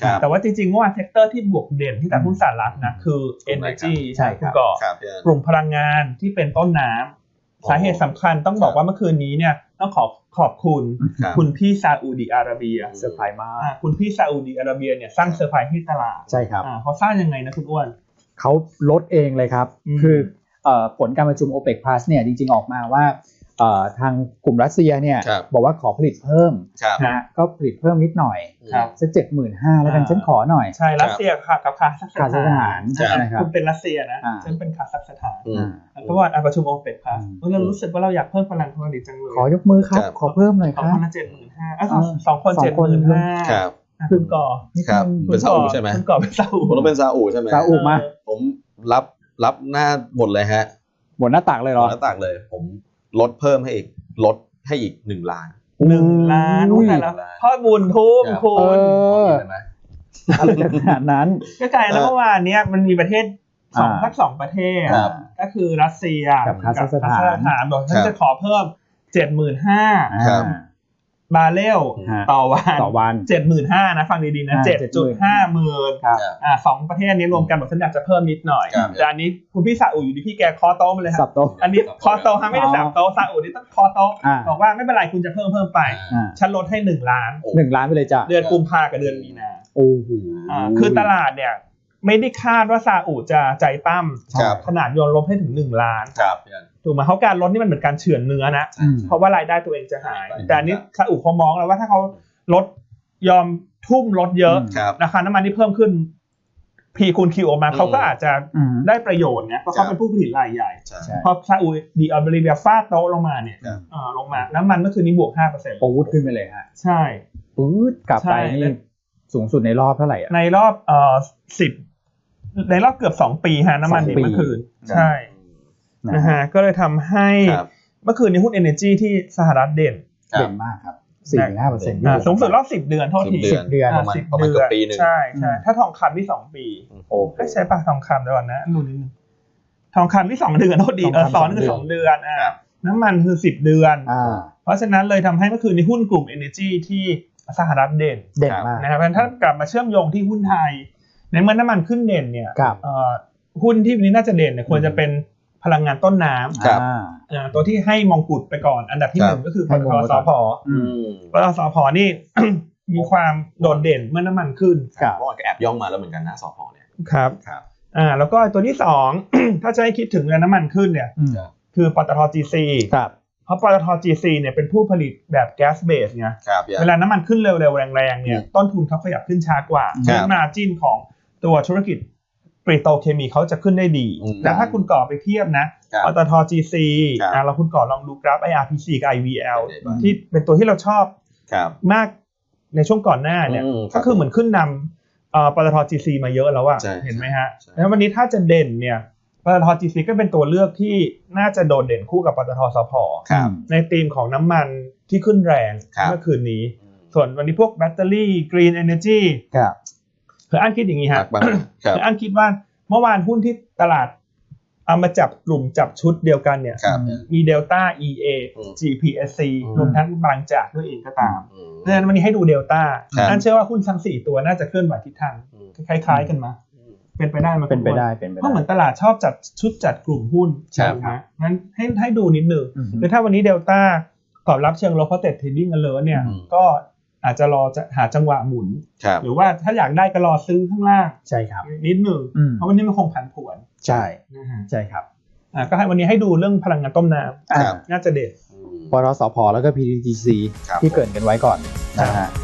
แต่ว่าจริงๆเมื่อวานเซกเตอร์ที่บวกเด่นที่ตลาดหุ้นสหรัฐนะคือ Energy ใช่ครับกลุ่มพลังงานที่เป็นต้นน้ำสาเหตุสำคัญต้องบอกว่าเมื่อคืนนี้เนี่ยต้องขอบคุณพี่ซาอุดิอาระเบียเซอร์ไพรส์มากคุณพี่ซาอุดิอาระเบียเนี่ยสร้างเซอร์ไพรส์ให้ตลาดใช่ครับเขาสร้างยังไงนะคุณอ้วนเขาลดเองเลยครับคือผลการประชุม OPEC Plus เนี่ยจริงๆออกมาว่าทางกลุ่มรัสเซียเนี่ยบอกว่าขอผลิตเพิ่มนะก็ผลิตเพิ่มนิดหน่อยสัก 75,000 แล้วกันฉันขอหน่อยใช่รัสเซียค่ะกับคาซัคสถานนะครับคุณเป็นรัสเซียนะฉันเป็นคาซัคสถานเพราะว่าประชุม OPEC Plus เรารู้สึกว่าเราอยากเพิ่มพลังผลิตจังเลยขอยกมือครับขอเพิ่มหน่อยครับ 2 คน 75,000 ครับคุณก่อเป็นซาอุใช่ไหมคุณก่อเป็นซาอุผมต้องเป็นซาอุใช่ไหมซาอุมาผมรับหน้าหมดเลยฮะหมดหน้าตักเลยเหรอหน้าตักเลยผมลดเพิ่มให้อีก1 ล้าน 1 ล้านแต่ละพ่อบุญทุ่มคุณอะไรขนาดนั้นก็กลายแล้วเมื่อวานนี้มันมีประเทศ2ประเทศก็คือรัสเซียกับคาซัคสถานบอกฉันจะขอเพิ่ม 75,000 บาร์เรลต่อวัน 75,000 นะฟังดีๆนะ 7.5 หมื่น2ประเทศนี้รวมกันบอกฉันอยากจะเพิ่มนิดหน่อยแต่อันนี้คุณพี่ซาอุอยู่ดีพี่แกเคาะโต๊ะมาเลยครับอันนี้เคาะโต๊ะไม่ได้สับโต๊ะซาอุนี่ต้องเคาะโต๊ะบอกว่าไม่เป็นไรคุณจะเพิ่มไปฉันลดให้1 ล้าน 1 ล้านไปเลยจ้ะเดือนกุมภาพันธ์กับเดือนมีนาโอ้โหคือตลาดเนี่ยไม่ได้คาดว่าซาอุจะใจปั้มขนาดโยนลบให้ถึง1 ล้านถูกไหมเขาการลดนี่มันเหมือนการเฉือนเนื้อนะเพราะว่ารายได้ตัวเองจะหายแต่อันนี้ซาอุเขามองแล้วว่าถ้าเขาลดยอมทุ่มลดเยอะราคาน้ำมันที่เพิ่มขึ้น P คูณ Q ออกมาเขาก็อาจจะได้ประโยชน์นะเพราะเขาเป็นผู้ผลิตรายใหญ่พอซาอุดิอาระเบียฟาดโต๊ะลงมาเนี่ยลงมาน้ำมันเมื่อคืนนี้บวก 5% ปูดขึ้นไปเลยฮะใช่ปูดกลับไปนี่สูงสุดในรอบเท่าไหร่ในรอบ10ในรอบเกือบ2 ปีฮะน้ำมันดิบเมื่อคืนใช่นะฮะก็เลยทำให้เมื่อคืนนี้หุ้น Energy ที่สหรัฐเด่นมากครับ 4-5% สูงสุดรอบ10 เดือนเท่าที่ 10 เดือนประมาณเกือบปีนึงใช่ถ้าทองคำที่2 ปีใช่ป่ะทองคำเดี๋ยวก่อนนะดูนิดนึงทองคำที่2 เดือนเท่าดีซ้อนคือ2 เดือนน้ำมันคือ10 เดือนเพราะฉะนั้นเลยทำให้เมื่อคืนนี้หุ้นกลุ่ม Energy ที่สหรัฐเด่นมากนะครับถ้ากลับมาเชื่อมโยงที่หุ้นไทยในเมื่อน้ำมันขึ้นเด่นเนี่ยหุ้นที่วันนี้น่าจะเด่นเนี่ยควรจะเป็นพลังงานต้นน้ำตัวที่ให้มงกุฎไปก่อนอันดับที่1ก็คือปตท.สผ.ปตท.สผ.นี่ มีความโดดเด่นเมื่อน้ำมันขึ้นเมื่อวานก็แอบย่องมาแล้วเหมือนกันนะสผ.เนี่ยครับแล้วก็ตัวที่2 ถ้าจะให้คิดถึงเรื่องน้ำมันขึ้นเนี่ยคือปตท. GC เพราะปตท. GC เนี่ยเป็นผู้ผลิตแบบแก๊สเบสไงเวลาน้ำมันขึ้นเร็วๆแรงๆเนี่ยต้นทุนเขาขยับขึ้นช้ากว่ามาร์จิ้นของตัวธุรกิจปริโตรเคมีเขาจะขึ้นได้ดีแล้วถ้าคุณก่อไปเทียบนะปตท. GC เราคุณก่อลองดูกราฟ IRPC กับ IVL ที่เป็นตัวที่เราชอบมากในช่วงก่อนหน้าเนี่ยก็คือเหมือนขึ้นนำปตท. GC มาเยอะแล้วอะเห็นไหมฮะแล้ววันนี้ถ้าจะเด่นเนี่ยปตท. GC ก็เป็นตัวเลือกที่น่าจะโดดเด่นคู่กับปตท. สผ.ในธีมของน้ำมันที่ขึ้นแรงเมื่อคืนนี้ส่วนวันนี้พวกแบตเตอรี่ Green Energy คืออันคิดอย่างนี้ฮะคืออันคิดว่าเมื่อวานหุ้นที่ตลาดเอามาจับกลุ่มจับชุดเดียวกันเนี่ยมี Delta EA GPSC รวมทั้งบางจากด้วยเองก็ตามเพราะฉะนั้นวันนี้ให้ดู Delta อันเชื่อว่าหุ้นทั้ง4ตัวน่าจะเคลื่อนไหวทิศทางคล้ายๆกันมาเป็นไปได้มั้ยเป็นไปได้เพราะเหมือนตลาดชอบจัดชุดจัดกลุ่มหุ้นใช่มั้ยงั้นให้ดูนิดนึงคือถ้าวันนี้ Delta ตอบรับเชิงลบเพราะเทรดดิ้งกันเลยเนี่ยก็อาจจะรอจะหาจังหวะหมุนหรือว่าถ้าอยากได้ก็รอซื้อข้างล่างใช่ครับนิดนึงเพราะวันนี้มันคงผันผวนใช่ใช่ครับก็ให้วันนี้ให้ดูเรื่องพลังงานต้มน้ำน่าจะเด็ดปตท.สผ.แล้วก็ PTTGC ที่เกิดกันไว้ก่อนนะฮะ